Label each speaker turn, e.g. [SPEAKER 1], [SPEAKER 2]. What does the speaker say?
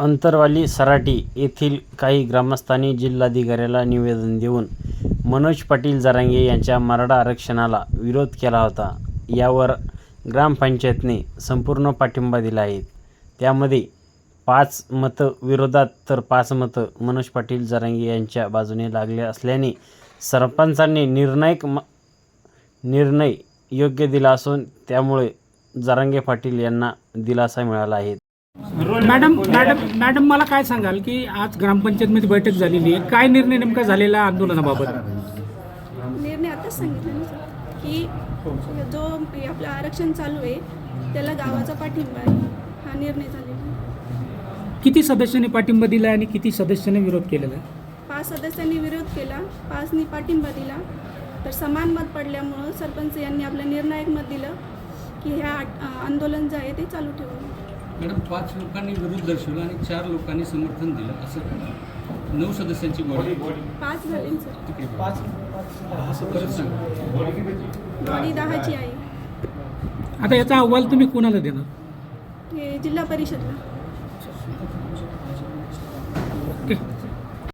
[SPEAKER 1] अंतरवाली सराटी येथील काही ग्रामस्थांनी जिल्हाधिकाऱ्याला निवेदन देऊन मनोज पाटील जरांगे यांच्या मराठा आरक्षणाला विरोध केला होता. यावर ग्रामपंचायतने संपूर्ण पाठिंबा दिला आहे. त्यामध्ये 5 मतं विरोधात तर 5 मतं मनोज पाटील जरांगे यांच्या बाजूने लागले असल्याने सरपंचांनी निर्णय योग्य दिला असून त्यामुळे जरांगे पाटील यांना दिलासा मिळाला आहे.
[SPEAKER 2] मॅडम मला काय सांगाल की आज ग्रामपंचायतमध्ये बैठक झालेली आहे, काय निर्णय नेमका झालेला आंदोलनाबाबत?
[SPEAKER 3] निर्णय आताच सांगितलं ना सर की जो आपलं आरक्षण चालू आहे त्याला गावाचा पाठिंबा आहे, हा निर्णय झालेला आहे.
[SPEAKER 2] किती सदस्यांनी पाठिंबा दिला आणि किती सदस्यांनी विरोध केलेला आहे?
[SPEAKER 3] 5 सदस्यांनी विरोध केला, 5नी पाठिंबा दिला. तर समान मत पडल्यामुळं सरपंच यांनी आपलं निर्णायक मत दिलं की ह्या आंदोलन जे आहे ते चालू ठेवू.
[SPEAKER 4] मॅडम 5 लोकांनी विरोध दर्शवला आणि 4 लोकांनी समर्थन दिलं, असं 9 सदस्यांची बॉडी
[SPEAKER 3] 5 झाले सर.
[SPEAKER 4] 5 परत सांगा.
[SPEAKER 3] बॉडी 10ची आहे.
[SPEAKER 2] आता याचा अहवाल तुम्ही कोणाला देणार?
[SPEAKER 3] हे जिल्हा परिषदला.
[SPEAKER 2] ओके.